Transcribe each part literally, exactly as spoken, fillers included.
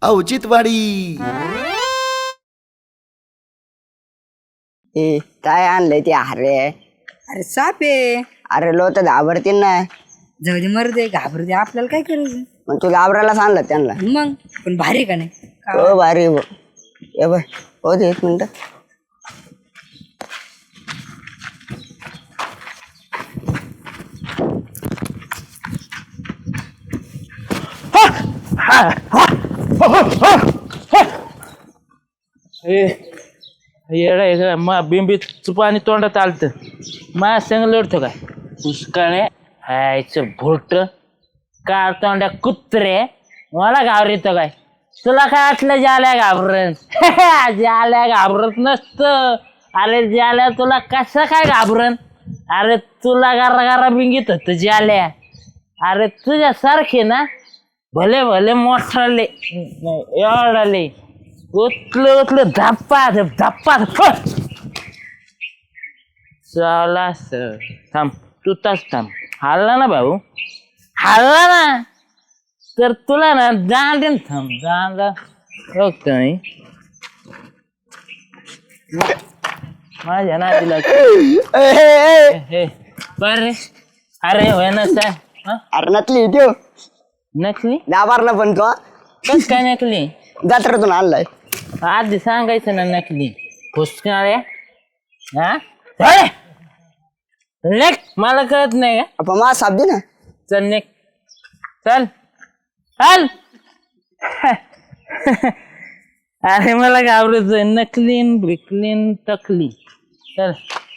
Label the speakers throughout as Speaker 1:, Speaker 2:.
Speaker 1: औचित्यवाडी.
Speaker 2: ए काय आणलंय ते अरे
Speaker 3: अरे साप आहे.
Speaker 2: अरे लोक घाबरतील ना.
Speaker 3: जाऊ दे मरू दे घाबरू दे आपल्याला काय करायचं
Speaker 2: मग तू घाबरायला सांगलं त्यांना.
Speaker 3: मग पण भारी का नाही
Speaker 2: हो भारी हो. ये बाय हो दे एक मिनिट.
Speaker 4: येडा मा बिंबीच पाणी तोंडात आलत माझ्या संग लढतो काय पुष्काळे हायचं भोट काळ तोंड्या कुत्रे मला घाबरत काय तुला काय वाटलं ज्याला घाबरन ज्याला घाबरत नसतं. अरे ज्याला तुला कसं काय घाबरन. अरे तुला गारा गारा बिंगीत होत ज्याल्या. अरे तुझ्यासारखे ना भले भले मोठाले एवढाले उतलं उतलं धप्पा धप्पा चला सर थांब तू तास थांब. हल्ला ना भाऊ हल्ला ना तर तुला ना जाण थांब जाणला बघतो मी माझ्या नातीला बर अरे होय ना सर.
Speaker 2: अरे नकली देव
Speaker 4: नकली
Speaker 2: घाबरला पण तो
Speaker 4: कस काय नकली
Speaker 2: जत्रेतून आणलाय.
Speaker 4: आधी सांगायचं ना नकली फुसकाळ्या हा नेक मला कळत नाही का
Speaker 2: आपण मा साप दे ना.
Speaker 4: चल नेक चल चल अरे मला घाबरत नकलीन बिकलीन टकली चल.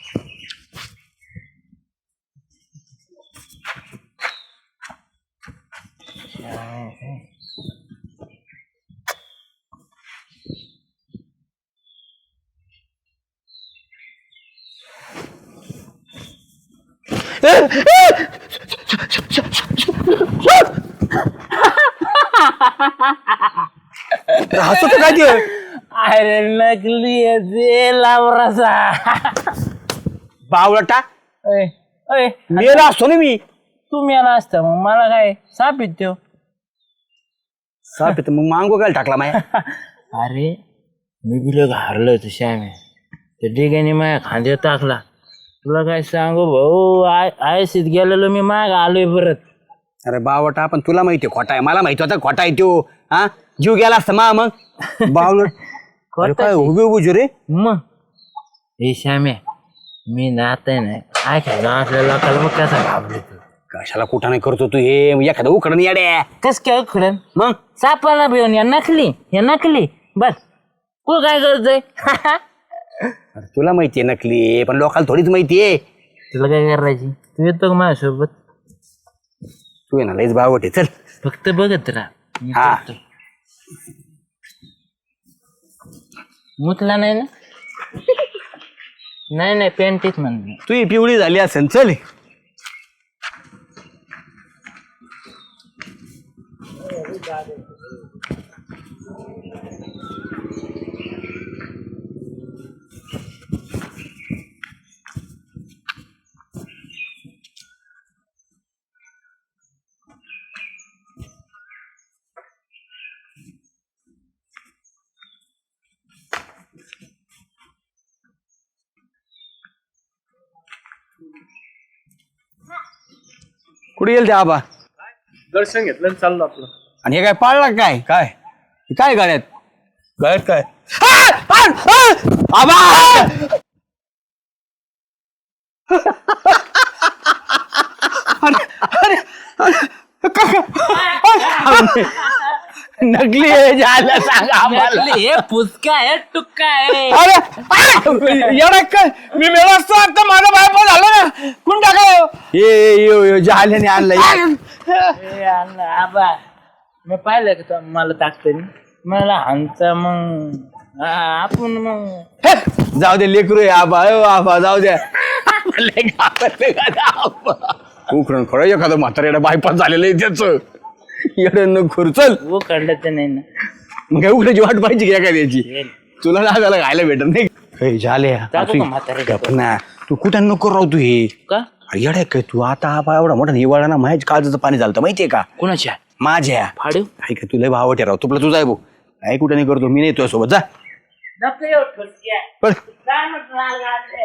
Speaker 1: हसत काय ते?
Speaker 4: अरे नकली आहे ते लावराचा
Speaker 1: बावळटा
Speaker 4: ओय ओय
Speaker 1: मेला असतो ना मी.
Speaker 4: तू मेला असता मग मला काय साप येतो.
Speaker 1: साप येतं मग मांगो काय टाकला माया.
Speaker 4: अरे मी बिल घारलं होतं श्यामे त्या डिग्याने माझ्या खांद्यात टाकला. तुला काय सांगू भाऊ आय आयसीत गेलेलो मी माग आलोय परत.
Speaker 1: अरे बावटा पण तुला माहितीये खोटा आहे. मला माहिती होता खोटा आहे तो. हा जीव गेला असता मा मग बावलट काय उभे उभे रे.
Speaker 4: मग हे श्यामे मी नात आहे ना ऐकाय गावातल्या लोकांना मग कसा घाबरतो.
Speaker 1: कशाला कुठं नाही करतो तू हे एखादं उकडून येड्या.
Speaker 4: कस काय उखडन
Speaker 1: मग
Speaker 4: सापाला भिवून या नकली या नकली बस तू काय करतोय.
Speaker 1: अरे तुला माहितीये नकली आहे, पण लोकांना थोडीच माहितीये.
Speaker 4: तुला काय करायची तू येतो का माझ्यासोबत.
Speaker 1: तू आहे ना लईच बावट आहे. चल
Speaker 4: फक्त बघत राहा मी
Speaker 1: हा.
Speaker 4: करतो. मुतला नाही ना नाही नाही पेंटीत म्हण
Speaker 1: तू ही पिवळी झाली असेल. चल कुठे गेल ते आबा.
Speaker 5: दर्शन घेतलं चाललं आपलं.
Speaker 1: आणि हे काय पाळला काय
Speaker 5: काय
Speaker 1: हे काय गाड्यात
Speaker 5: गळ्यात काय
Speaker 1: आबा. नकली आहे झालं सांग आम्हाला.
Speaker 4: हे पुचका आहे टुक्का आहे.
Speaker 1: अरे एवढा काय मी मेला असतो आता माझा बायको झालं ना कोण टाकाय. ये झाल्याने आणलं.
Speaker 4: ए, अण्णा, आबा मी पाहिलं का तो मला टाकतो मला हानचा मग आपण मग
Speaker 1: जाऊ दे लेकरू आहे आबा. अ आबा जाऊ द्या. उकरण खरं एखादं म्हाताऱ्याला बायपास झालेलं आहे त्याच एवढं न खुरचल.
Speaker 4: वो काढलं तर नाही ना
Speaker 1: मग काय उकड्याची वाट पाहिजे की एखाद्याची. तुला लागायला खायला भेटत नाही. झाले
Speaker 4: टाकू का म्हाताऱ्याच्या
Speaker 1: ना तू कुठं नको राहू तू हे.
Speaker 4: का
Speaker 1: येड्या काय तू आता हा एवढा मोठा हिवाळा ना माझ्या काळजाचं पाणी झालं माहितीये का
Speaker 4: कोणाच्या
Speaker 1: माझ्या
Speaker 4: फाडू
Speaker 1: काय का तुला भावट राव तुला तुझा आहे भाऊ काय कुठे नाही करतो मी नाही तुझ्या सोबत जा
Speaker 4: नको येऊ ठोसक्या.
Speaker 1: पळ.
Speaker 4: काय म्हटलं लाल गाठले?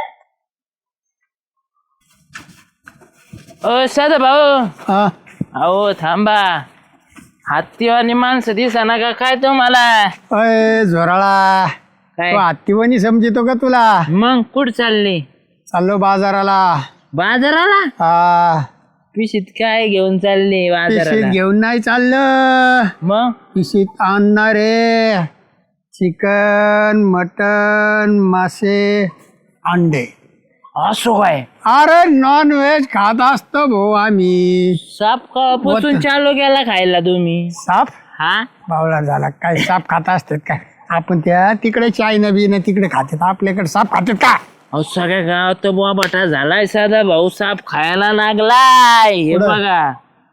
Speaker 4: ओ साधा भाऊ
Speaker 6: हा
Speaker 4: अहो थांबा हत्तीवानी माणसं दिसा का काय तुम्हाला
Speaker 6: अय झोराळा
Speaker 4: काय
Speaker 6: तो हत्तीवणी समजितो का तुला?
Speaker 4: मग कुठं चालली
Speaker 6: चाललो बाजाराला.
Speaker 4: बाजाराला
Speaker 6: हा
Speaker 4: पिशीत काय घेऊन चालली
Speaker 6: पिशीत
Speaker 4: बाजाराला
Speaker 6: घेऊन नाही चाललं,
Speaker 4: मग
Speaker 6: पिशीत आणणार रे चिकन मटन मासे अंडे.
Speaker 4: असो काय
Speaker 6: अरे नॉन व्हेज खात असतो भाऊ आम्ही.
Speaker 4: साप कपासून चालू गेला खायला तुम्ही
Speaker 6: साप
Speaker 4: हा
Speaker 6: बावळा झाला काय? साप खात असतात काय? आपण त्या तिकडे चायना बिना तिकडे खातात, आपल्याकडे साप खातात का?
Speaker 4: अहो सगळ्या गावात तर बोबाटा झालाय साधा भाऊ साप खायला लागलाय हे
Speaker 6: कुठं?
Speaker 4: बघा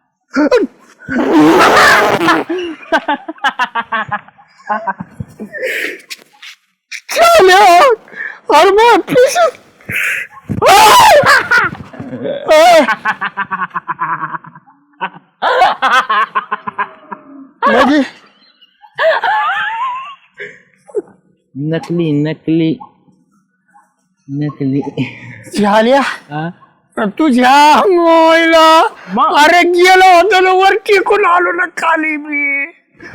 Speaker 6: अरे मग पिशीत म्हणजे
Speaker 4: नकली नकली नकली
Speaker 6: झाल्या
Speaker 4: हा?
Speaker 6: तुझ्या मोयला अरे गेलो होतो ना वर टिकून आलो ना खाली मी.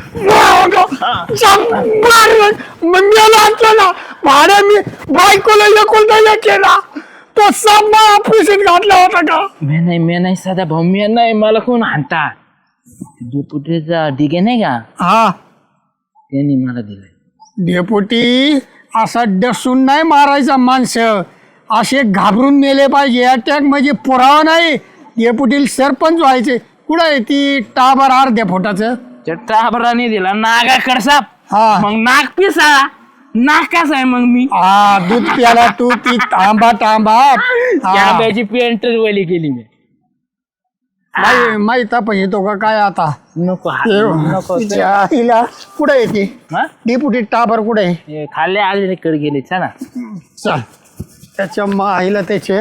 Speaker 6: मग गेलो असतो ना भाड्या मी बायकोला एकुलता केला तो सामना ऑफिसात घातला होता का?
Speaker 4: मी नाही मी नाही साधा भाऊ मी नाही मला कोण हाणता दुपुटीचा डिगे नाही का
Speaker 6: हा
Speaker 4: त्यांनी मला दिलाय
Speaker 6: डेपुटी असा डसून नाही मारायचा माणसं, असे घाबरून मेले पाहिजे. अटॅक म्हणजे पुरावा नाही. डेपुटीला सरपंच व्हायचे. कुठं आहे ती टाबर अर्ध्या फुटाचं?
Speaker 4: टाबराने दिला नागाकड साप
Speaker 6: हा
Speaker 4: मग नाक पिसा नाक कसा आहे मग मी
Speaker 6: हा दूध प्याला तू ती तांबा तांबा हा.
Speaker 4: आंब्याची पेंटर वली केली मी
Speaker 6: माही- माहीत पण येतो का काय आता?
Speaker 4: नको नको
Speaker 6: हिला कुठे येते
Speaker 4: हा?
Speaker 6: डेपुटी टाबर कुठे आहे?
Speaker 4: हे खाल्ले आले कडे गेले चला
Speaker 6: चल त्याच्या माईला त्याचे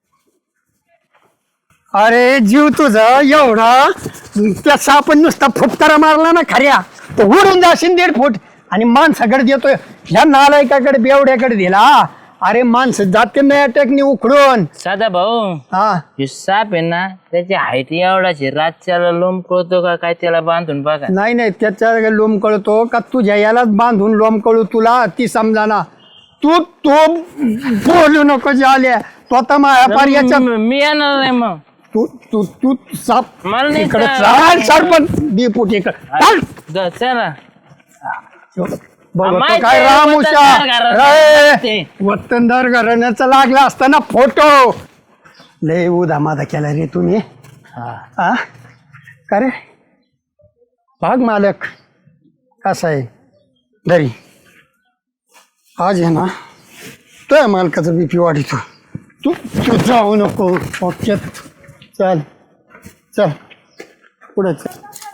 Speaker 6: अरे जीव तुझा एवढा त्याचा आपण नुसता फुटकारा मारला ना खऱ्या तर उडून जाशील दीड फूट आणि माणसाकडे देतोय ह्या नालायकाकडे बेवड्याकडे दिला. अरे माणसं जाते नाही अटॅकने उखडून.
Speaker 4: साधा भाऊ
Speaker 6: हा
Speaker 4: हे साप आहे ना त्याची हाईट एवढाची रातच्याला लोंब कळतो का काय त्याला बांधून बघा
Speaker 6: नाही नाही त्याच्या लोम कळतो का तुझ्या यालाच बांधून लोम कळू तुला ती समजा ना. तू तो बोलू नको झाल्या तो आता माझ्या याच्या
Speaker 4: मी मी येणार नाही मग
Speaker 6: तू तू तू साप
Speaker 4: मला नाही
Speaker 6: इकडे
Speaker 4: चाल.
Speaker 6: चाल सरपंच डेपुटी इकडे चाल.
Speaker 4: जा, चला
Speaker 6: बघतो
Speaker 4: माहिती
Speaker 6: काय
Speaker 4: आहे,
Speaker 6: रामुशा
Speaker 4: वतनदार घराण्याचं
Speaker 6: रे
Speaker 4: ते.
Speaker 6: वतनदार घराण्याचा लागला असताना फोटो लय उदा मादा केला रे तुम्ही. हा का रे भाग मालक कसा आहे घरी आज आहे ना तो मालकाचा बीपी वाढितो. तू तू जाऊ नको ओक्यात चल चल पुढे चल.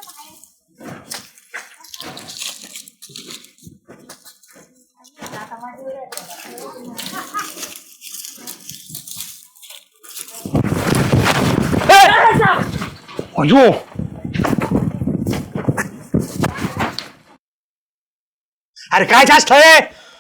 Speaker 6: अयो
Speaker 1: अरे काय जास्त आहे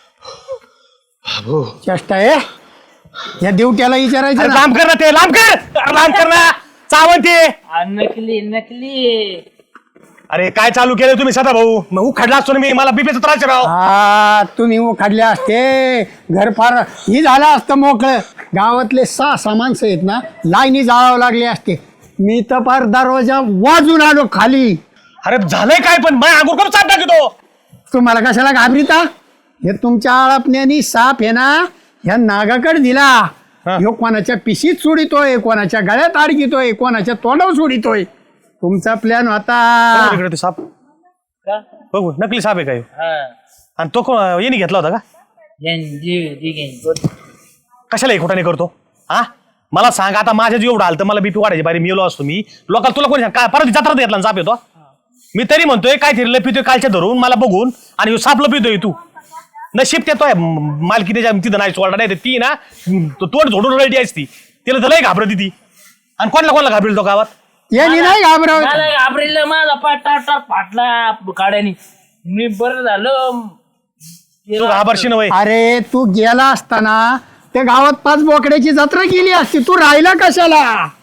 Speaker 6: चेष्टा आहे या देवट्याला विचारायचं
Speaker 1: अरे
Speaker 6: ना.
Speaker 1: लांब कर ना ते लांब कर अरे लांब कर ना चावंती.
Speaker 4: आ, नकली नकली
Speaker 1: अरे काय चालू केलं तुम्ही सदा भाऊ मग उखडला असतो ना मी मला बीपीचा त्रास आहे राव.
Speaker 6: हा तुम्ही उखाडले असते घर फार ही झालं असतं मोकळं. गावातले सहा सहा माणसं आहेत ना लाईनी जाळावं लागले असते. मी तर फार दरवाजा वाजून आलो खाली.
Speaker 1: अरे झालंय काय पण माझ्या अगोदर करून चाप टाकतो.
Speaker 6: तुम्हाला कशाला घाबरीता? हे तुमच्या आळपण्यानी साप आहे ना ह्या नागाकडे दिला. ह्यो कोणाच्या पिशीत सोडितोय, कोणाच्या गळ्यात अडकितोय, कोणाच्या तोंडावर सोडितोय. तुमचा प्लॅन होता.
Speaker 1: इकडे ते साप बघू नकली साप आहे काय
Speaker 4: हा
Speaker 1: आणि तो को- याने घेतला होता का?
Speaker 4: यांनी जी- जी घेईन.
Speaker 1: कशाला एक खोटाने करतो हा मला सांग. आता माझ्या जीव एवढं आलं तर मला बीपी वाढायची बारी मी येलो असतो मी लोकांना तुला कोणी सांग काय परत जत्रात घेतला साप येतो. मी तरी म्हणतोय काय तरी लपितोय कालच्या धरून मला बघून आणि ह्यो साप लपितोय तू नशीब त्यातोय मालकी त्याच्या तिथं नाही सोडला नाही तर ती ना तो तोड झोडून रळती असती तिला तर लय घाबरती ती. आणि कोणाला कोणाला घाबरेल तो गावात
Speaker 6: यांनी नाही घाबरवत.
Speaker 4: मला घाबरेल माझा पाठ टाट टाट फाटला काड्यानी मी बरं झालं
Speaker 1: तू घाबरशी नव्हे.
Speaker 6: अरे तू गेला असताना त्या गावात पाच बोकड्याची जत्रा केली असती, तू राहिला कशाला?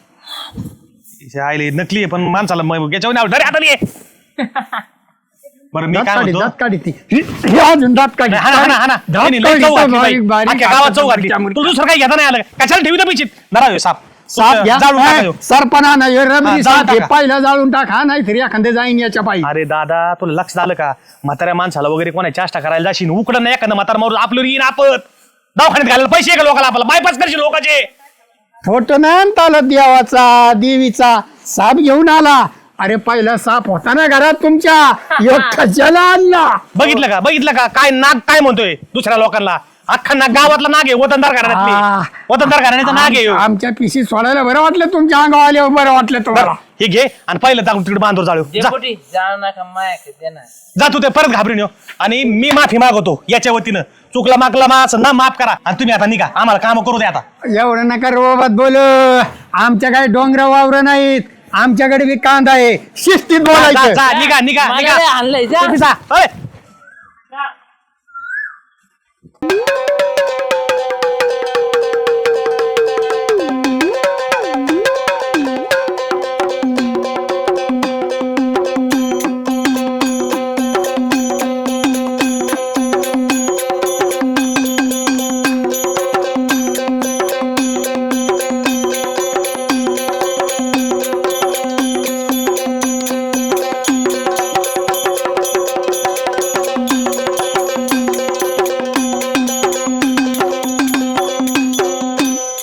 Speaker 1: आईले नकली आहे, पण माणसाला मग याच्यावर नाव डरे हाताली आहे. बरं मी
Speaker 6: दात
Speaker 1: काय
Speaker 6: काढी,
Speaker 1: म्हणतो,
Speaker 6: दात काढी ती. हे अजून दात काढी.
Speaker 1: हा ना, हा ना, हा ना.
Speaker 6: दात
Speaker 1: त्यांनी लई
Speaker 6: काढी
Speaker 1: चव
Speaker 6: तर
Speaker 1: घातली
Speaker 6: बारीक-
Speaker 1: बाई.
Speaker 6: बारीक
Speaker 1: अख्ख्या गावात
Speaker 6: हातात
Speaker 1: चव घातली.
Speaker 6: त्यामुळे-
Speaker 1: तुला दुसरं काही घेता नाही आलं का? कशाला ठेवी पिचित नरा ह्यो साप.
Speaker 6: साप घ्या.
Speaker 1: जाळून टाका
Speaker 6: ए,
Speaker 1: ह्यो.
Speaker 6: सरपणा नाही
Speaker 1: हा,
Speaker 6: रबरी
Speaker 1: जाळून
Speaker 6: साप हे
Speaker 1: टाका.
Speaker 6: पहिला जाळून टाका, नाही तरी एखादे जाईन याच्या पायी.
Speaker 1: अरे दादा तुला लक्ष झालं का? म्हाताऱ्या माणसाला वगैरे कोणा चाष्टा करायला जाशील उकडं नाही एखादं म्हातारा मारून आपलं येईन आपत दवाखान्यात घालायला पैसे आहे का लोकांना? आपल्याला बायपास करशील लोकांचे.
Speaker 6: फोटो नाही आणता आला देवाचा देवीचा, साप घेऊन आला. अरे पहिला साप होता ना घरात तुमच्या, ह्यो कशाला आणला?
Speaker 1: बघितलं का बघितलं का काय नाग काय म्हणतोय दुसऱ्या लोकांना? अख्खा नाग गावातला नाग आहे, वतनदार
Speaker 6: आ.
Speaker 1: घराण्यातली वतनदार घराण्याचा नाग आहे ह्यो.
Speaker 6: आम- आमच्या पिशी सोडायला बरं वाटलं, तुमच्या अंगावर आल्यावर बरं वाटलं तुम्हाला.
Speaker 1: हे घे आणि पहिलं टाकून तिकडे बांधवर जाळू जा.
Speaker 4: डेपुटी जाऊ नका माया दे ना.
Speaker 1: जा तू ते परत घाबरून येऊ आणि मी माफी मागवतो याच्या वतीनं. चुकला मागला मा असं ना माफ करा आणि तुम्ही आता निघा, आम्हाला काम करू द्या आता.
Speaker 6: एवढं नका रोबात बोल, आमच्या काही डोंगर वावर नाहीत, आमच्याकडे बी कांदा आहे, शिस्तीत
Speaker 1: जा,
Speaker 6: बोलायचं.
Speaker 1: जा, निघा निघा
Speaker 4: मला
Speaker 1: निघा
Speaker 4: लय हाणलंय, जा.
Speaker 1: तुम्ही जा. अरे.